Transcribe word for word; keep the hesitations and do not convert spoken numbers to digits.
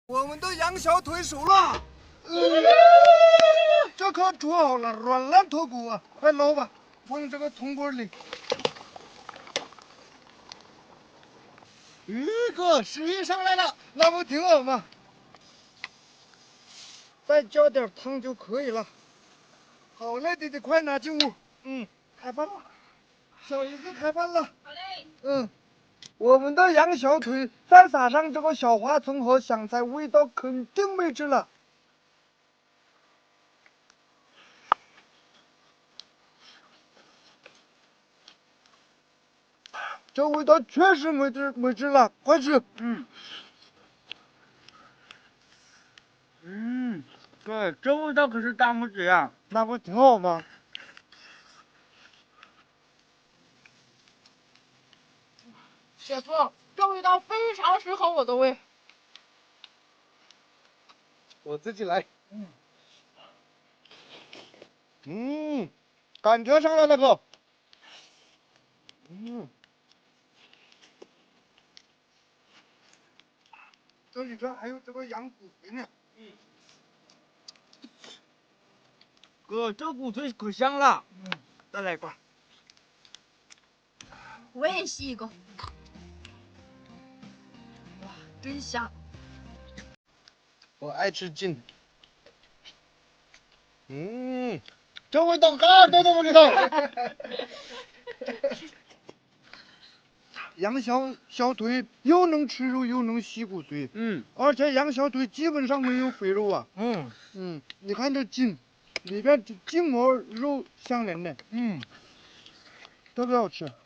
我们的羊小腿熟了，呃、这可煮好了，软烂脱骨啊！快捞吧，放这个铜锅里。 鱼哥，水上来了， 那不挺好吗？再浇点汤就可以了。好嘞，弟弟，快拿进屋。嗯，开饭了。小姨子开饭了。 好嘞。 嗯，我们的羊小腿再撒上这个小花葱和香菜，味道肯定没治了。这味道确实没治没治了，快吃。 嗯。嗯，对，这味道可是大拇指呀， 那不挺好吗？ 姐夫，这味道非常适合我的胃。 我自己来。嗯。嗯，感觉上来了哥。嗯。这里边还有这个羊骨髓呢。 嗯。哥，这骨髓可香了。 嗯，再来一块。 我也吸一口。哇，真香！ 我爱吃筋。嗯，这味道嘎多都不知道。羊小小腿又能吃肉又能吸骨髓， 嗯， 而且羊小腿基本上没有肥肉啊。 嗯嗯，你看这筋，里边筋膜肉相连的， 嗯， 特别好吃。